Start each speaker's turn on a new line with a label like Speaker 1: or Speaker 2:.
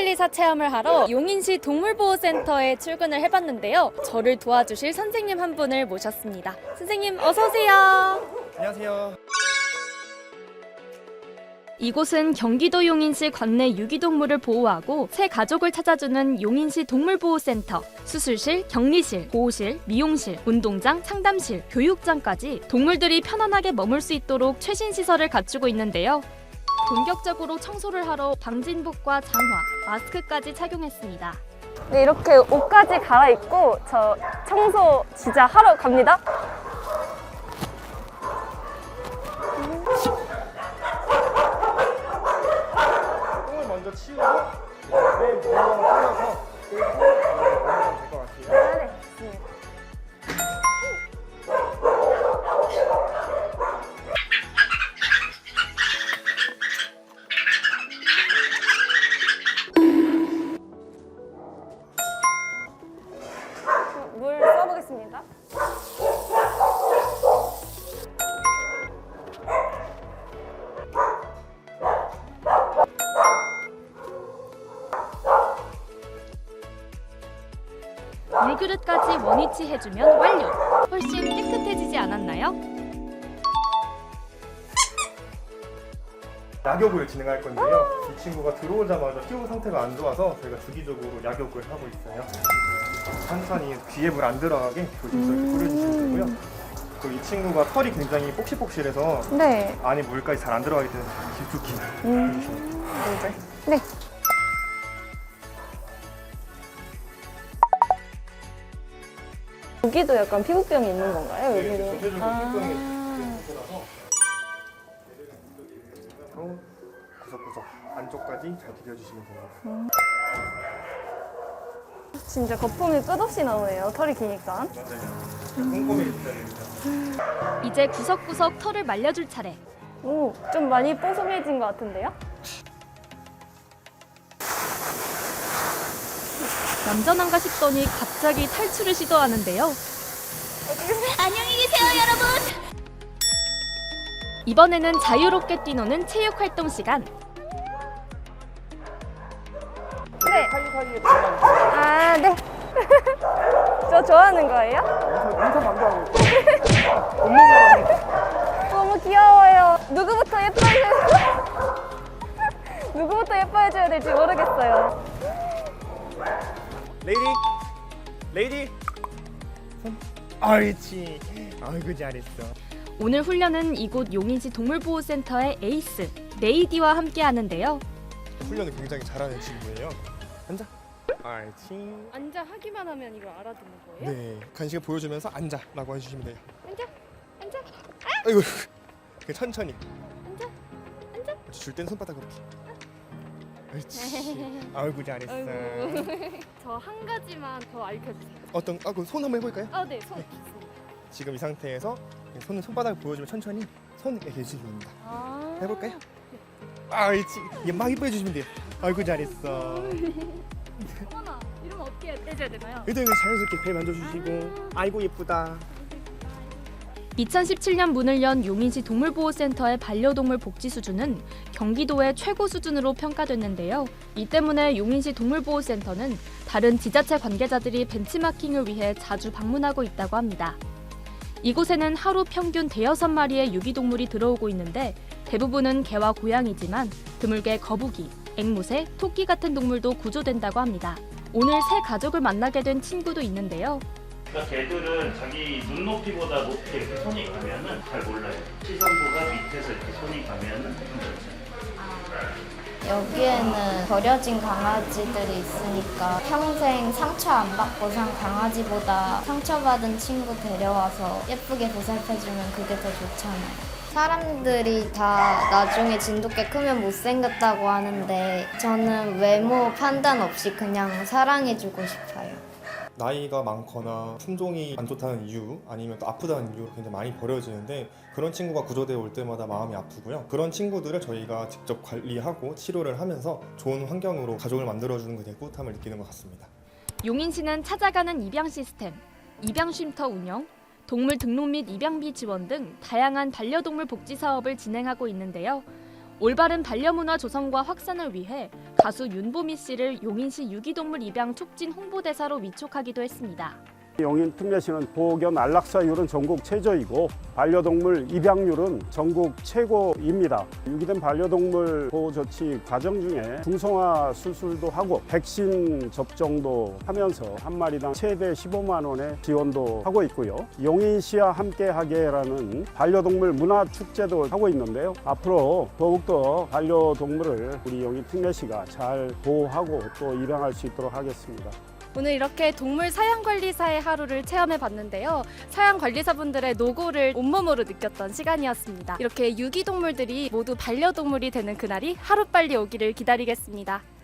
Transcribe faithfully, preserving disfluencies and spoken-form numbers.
Speaker 1: 동물관리사 체험을 하러 용인시 동물보호센터에 출근을 해봤는데요. 저를 도와주실 선생님 한 분을 모셨습니다. 선생님 어서 오세요.
Speaker 2: 안녕하세요.
Speaker 1: 이곳은 경기도 용인시 관내 유기동물을 보호하고 새 가족을 찾아주는 용인시 동물보호센터. 수술실, 격리실, 보호실, 미용실, 운동장, 상담실, 교육장까지 동물들이 편안하게 머물 수 있도록 최신 시설을 갖추고 있는데요. 본격적으로 청소를 하러 방진복과 장화, 마스크까지 착용했습니다.
Speaker 3: 네, 이렇게 옷까지 갈아입고 저 청소 진짜 하러 갑니다.
Speaker 2: 똥을 먼저 치우고 내 물건 뿌려서 끌고 넣으면 될 것 같아요.
Speaker 3: 아, 네, 좋습니다. 물 써보겠습니다.
Speaker 1: 물그릇까지 원위치 해주면 완료! 훨씬 깨끗해지지 않았나요?
Speaker 2: 약욕을 진행할 건데요. 이 친구가 들어오자마자 피부 상태가 안 좋아서 저희가 주기적으로 약욕을 하고 있어요. 천천히 귀에 물 안 들어가게 조심스럽게 뿌려주시면 되고요. 또 이 친구가 털이 굉장히 폭실폭실해서
Speaker 3: 네.
Speaker 2: 안에 물까지 잘 안 들어가기 때문에 깊숙이 뿌려주시면 돼요.
Speaker 3: 네. 여기도 약간 피부병이 있는 건가요?
Speaker 2: 네,
Speaker 3: 여기는?
Speaker 2: 전체적으로
Speaker 3: 아.
Speaker 2: 피부병이 상태라서 그리고 구석구석 안쪽까지 잘 비벼주시면 됩니다.
Speaker 3: 진짜 거품이 끝없이 나오네요. 털이 기니까.
Speaker 2: 맞아요. 꼼꼼히 해주셔야 됩니다.
Speaker 1: 이제 구석구석 털을 말려줄 차례.
Speaker 3: 오, 좀 많이 뽀송해진 것 같은데요?
Speaker 1: 얌전한가 싶더니 갑자기 탈출을 시도하는데요. 안녕히 계세요, 여러분! 이번에는 자유롭게 뛰노는 체육활동 시간.
Speaker 3: 네.
Speaker 2: 사이사이에 들어가주세요.
Speaker 3: 아, 네. 저 좋아하는 거예요?
Speaker 2: 인사 방송하고 있어요.
Speaker 3: 너무 귀여워요. 누구부터 예뻐해줘야 누구부터 예뻐해줘야 될지 모르겠어요.
Speaker 2: 레이디, 레이디. 옳지. 아이고 잘했어.
Speaker 1: 오늘 훈련은 이곳 용인시 동물보호센터의 에이스, 레이디와 함께 하는데요.
Speaker 2: 훈련을 굉장히 잘하는 친구예요. 앉아. 옳지.
Speaker 1: 앉아 하기만 하면 이걸 알아듣는 거예요?
Speaker 2: 네, 간식을 보여주면서 앉아라고 해주시면 돼요.
Speaker 1: 앉아, 앉아,
Speaker 2: 아이고, 그 천천히.
Speaker 1: 앉아, 앉아.
Speaker 2: 줄 때는 손바닥으로 이렇게. 옳지. 아이고 잘했어.
Speaker 1: 저 한 가지만 더 알려주세요.
Speaker 2: 어떤? 아, 그 손 한번 해볼까요?
Speaker 1: 아, 네, 손 좋습니다.
Speaker 2: 지금 이 상태에서 손은 손바닥을 보여주면 천천히 손 이렇게 해주시면 됩니다.
Speaker 1: 아,
Speaker 2: 해볼까요? 아, 옳지. 이게 막 이뻐해주시면 돼요. 아이고 잘했어.
Speaker 1: 어머나, 이러면 어떻게 해줘야 되나요?
Speaker 2: 일단 자연스럽게 배 만져주시고 아이고 예쁘다.
Speaker 1: 이천십칠 년 문을 연 용인시 동물보호센터의 반려동물 복지 수준은 경기도의 최고 수준으로 평가됐는데요. 이 때문에 용인시 동물보호센터는 다른 지자체 관계자들이 벤치마킹을 위해 자주 방문하고 있다고 합니다. 이곳에는 하루 평균 대여섯 마리의 유기동물이 들어오고 있는데 대부분은 개와 고양이지만 드물게 거북이, 앵무새, 토끼 같은 동물도 구조된다고 합니다. 오늘 새 가족을 만나게 된 친구도 있는데요.
Speaker 4: 그러니까 개들은 자기 눈높이보다 높게 이렇게 손이 가면은 잘 몰라요. 시선보다 밑에서 이렇게 손이 가면은 힘들어요.
Speaker 5: 여기에는 버려진 강아지들이 있으니까 평생 상처 안 받고 산 강아지보다 상처받은 친구 데려와서 예쁘게 보살펴주면 그게 더 좋잖아요. 사람들이 다 나중에 진돗개 크면 못생겼다고 하는데 저는 외모 판단 없이 그냥 사랑해주고 싶어요.
Speaker 2: 나이가 많거나 품종이 안 좋다는 이유 아니면 또 아프다는 이유로 굉장히 많이 버려지는데 그런 친구가 구조되어 올 때마다 마음이 아프고요. 그런 친구들을 저희가 직접 관리하고 치료를 하면서 좋은 환경으로 가족을 만들어주는 것에 대해 뿌듯함을 느끼는 것 같습니다.
Speaker 1: 용인시는 찾아가는 입양 시스템, 입양 쉼터 운영, 동물 등록 및 입양비 지원 등 다양한 반려동물 복지 사업을 진행하고 있는데요. 올바른 반려문화 조성과 확산을 위해 가수 윤보미 씨를 용인시 유기동물 입양 촉진 홍보대사로 위촉하기도 했습니다.
Speaker 6: 용인 특례시는 보호견 안락사율은 전국 최저이고 반려동물 입양률은 전국 최고입니다. 유기된 반려동물 보호 조치 과정 중에 중성화 수술도 하고 백신 접종도 하면서 한 마리당 최대 십오만 원의 지원도 하고 있고요. 용인시와 함께하게라는 반려동물 문화 축제도 하고 있는데요. 앞으로 더욱더 반려동물을 우리 용인 특례시가 잘 보호하고 또 입양할 수 있도록 하겠습니다.
Speaker 3: 오늘 이렇게 동물 사양관리사의 하루를 체험해봤는데요. 사양관리사분들의 노고를 온몸으로 느꼈던 시간이었습니다. 이렇게 유기동물들이 모두 반려동물이 되는 그날이 하루빨리 오기를 기다리겠습니다.